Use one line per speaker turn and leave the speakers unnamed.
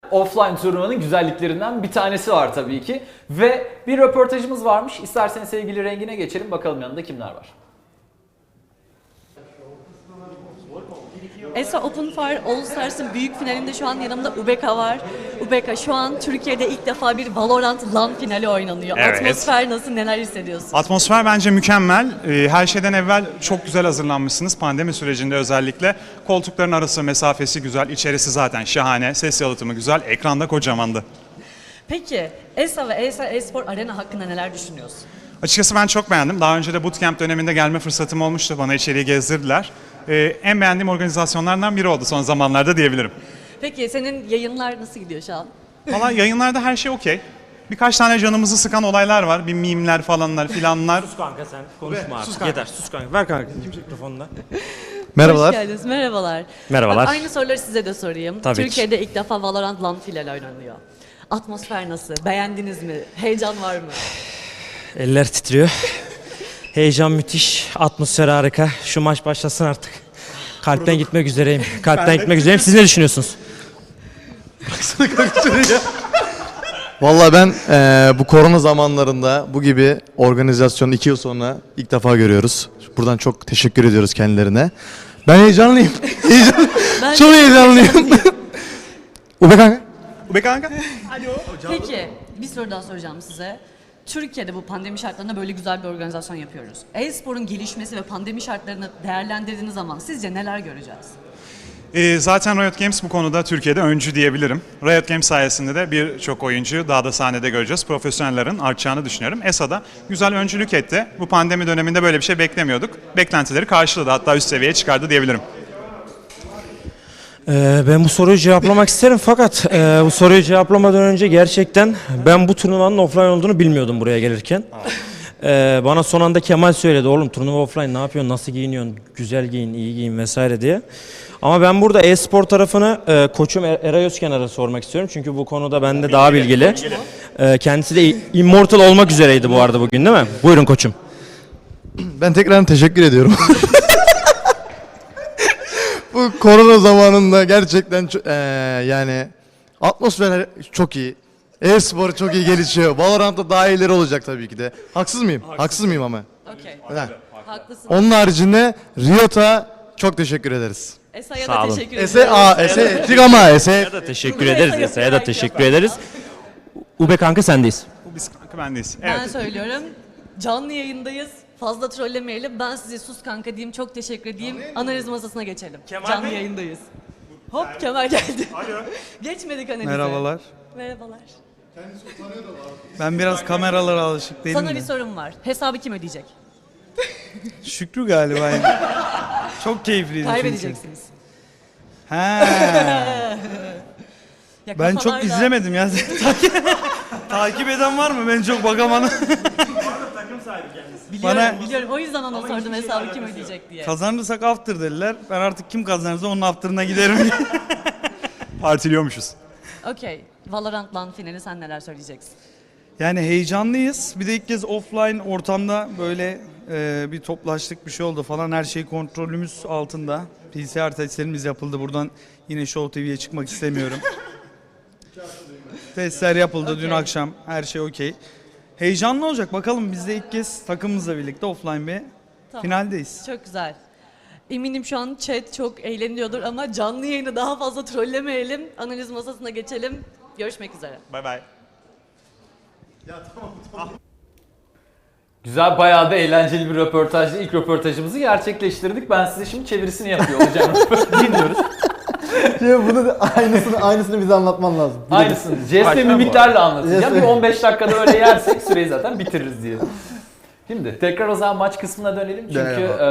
Offline turnuvanın güzelliklerinden bir tanesi var tabii ki. Ve bir röportajımız varmış. İsterseniz sevgili rengine geçelim. Bakalım yanında kimler var.
ESA Open Fire All Stars'ın büyük finalinde şu an yanımda Ubeka var. Ubeka, şu an Türkiye'de ilk defa bir Valorant LAN finali oynanıyor.
Evet.
Atmosfer nasıl, neler hissediyorsun?
Atmosfer bence mükemmel. Her şeyden evvel çok güzel hazırlanmışsınız. Pandemi sürecinde özellikle. Koltukların arası mesafesi güzel, içerisi zaten şahane. Ses yalıtımı güzel, ekranda kocamandı.
Peki ESA ve ESA Espor Arena hakkında neler düşünüyorsun?
Açıkçası ben çok beğendim. Daha önce de bootcamp döneminde gelme fırsatım olmuştu. Bana içeriği gezdirdiler. En beğendiğim organizasyonlardan biri oldu son zamanlarda diyebilirim.
Peki senin yayınlar nasıl gidiyor şu an?
Valla yayınlarda her şey okey. Birkaç tane canımızı sıkan olaylar var. Bir mimler falanlar filanlar.
Sus kanka sen konuşma artık. Yeter sus kanka. Ver kanka mikrofonunu da.
Hoş geldiniz, merhabalar.
Merhabalar.
Bak, aynı soruları size de sorayım.
Tabii ki.
Türkiye'de ilk defa Valorant LAN finali oynanıyor. Atmosfer nasıl? Beğendiniz mi? Heyecan var mı?
Eller titriyor. Heyecan müthiş. Atmosfer harika. Şu maç başlasın artık. Kalpten gitmek üzereyim. Kalpten gitmek üzereyim. Siz ne düşünüyorsunuz?
Vallahi ben bu korona zamanlarında bu gibi organizasyonu 2 yıl sonra ilk defa görüyoruz. Buradan çok teşekkür ediyoruz kendilerine. Ben heyecanlıyım.
Ben
Çok heyecanlıyım. Ube kanka.
Ube kanka.
Peki, bir soru daha soracağım size. Türkiye'de bu pandemi şartlarında böyle güzel bir organizasyon yapıyoruz. E-sporun gelişmesi ve pandemi şartlarını değerlendirdiğiniz zaman sizce neler göreceğiz?
Zaten Riot Games bu konuda Türkiye'de öncü diyebilirim. Riot Games sayesinde de birçok oyuncuyu daha da sahnede göreceğiz. Profesyonellerin artacağını düşünüyorum. ESA da güzel öncülük etti. Bu pandemi döneminde böyle bir şey beklemiyorduk. Beklentileri karşıladı, hatta üst seviyeye çıkardı diyebilirim.
Ben bu soruyu cevaplamak isterim fakat bu soruyu cevaplamadan önce gerçekten ben bu turnuvanın offline olduğunu bilmiyordum buraya gelirken. Bana son anda Kemal söyledi, oğlum turnuva offline, ne yapıyorsun, nasıl giyiniyorsun, güzel giyin, iyi giyin vesaire diye. Ama ben burada e-spor tarafını koçum Eray Özkenar'a sormak istiyorum çünkü bu konuda bende daha bilgili. Kendisi de Immortal olmak üzereydi bu arada bugün, değil mi? Buyurun koçum.
Ben tekrar teşekkür ediyorum. Bu korona zamanında gerçekten yani atmosfer çok iyi. E-spor çok iyi gelişiyor. Valorant'ta daha iyileri olacak tabii ki de. Haksız mıyım? Haksız mıyım ama?
Okey.
Ha.
Haklısın.
Onun haricinde Riot'a çok teşekkür ederiz.
ESA'ya
Sağ
da
olun.
teşekkür
Ese,
ediyorum.
ese ettik ama ese.
Teşekkür ederiz. Esa'ya da teşekkür ederiz. Ube kanka sendeyiz.
Bu biz kanka bendeyiz.
Ben
Evet.
söylüyorum. Canlı yayındayız. Fazla trollemeyelim. Ben size sus kanka diyeyim. Çok teşekkür edeyim. Analiz masasına geçelim. Canlı yayındayız. Hop Kemal geldi. Geçmedik analize.
Merhabalar.
Merhabalar.
Ben biraz kameralara alışık değilim
Sana
de.
bir sorum var. Hesabı kim ödeyecek?
Şükrü galiba. Yani. Çok keyifliydi çünkü.
Kaybedeceksiniz.
He.
Ya
Ben çok
kafalarda-
izlemedim ya. Takip eden var mı? Ben çok bakamadım.
Biliyorum,
Bana-
biliyorum. O yüzden ona sordum hesabı kim ödeyecek diye.
Kazanırsak after dediler. Ben artık kim kazanırsa onun after'ına giderim.
Partiliyormuşuz.
Okey. Valorant LAN finali, sen neler söyleyeceksin?
Yani heyecanlıyız. Bir de ilk kez offline ortamda böyle bir toplaştık, bir şey oldu falan. Her şey kontrolümüz altında. PCR testlerimiz yapıldı. Buradan yine Show TV'ye çıkmak istemiyorum. Testler yapıldı dün akşam. Her şey okey. Heyecanlı olacak. Bakalım biz de ilk kez takımımızla birlikte offline bir
Tamam.
finaldeyiz.
Çok güzel. Eminim şu an chat çok eğleniyordur ama canlı yayını daha fazla trollemeyelim. Analiz masasına geçelim. Görüşmek üzere.
Bay bay.
Güzel, bayağı da eğlenceli bir röportajdı. İlk röportajımızı gerçekleştirdik. Ben size şimdi çevirisini yapıyor olacağım. Dinliyoruz.
Bunu da aynısını bize anlatman lazım.
Aynısını. Jest ve mimiklerle anlatacağım. Bir 15 dakikada öyle yersek süreyi zaten bitiririz diye. Şimdi tekrar o zaman maç kısmına dönelim. Çünkü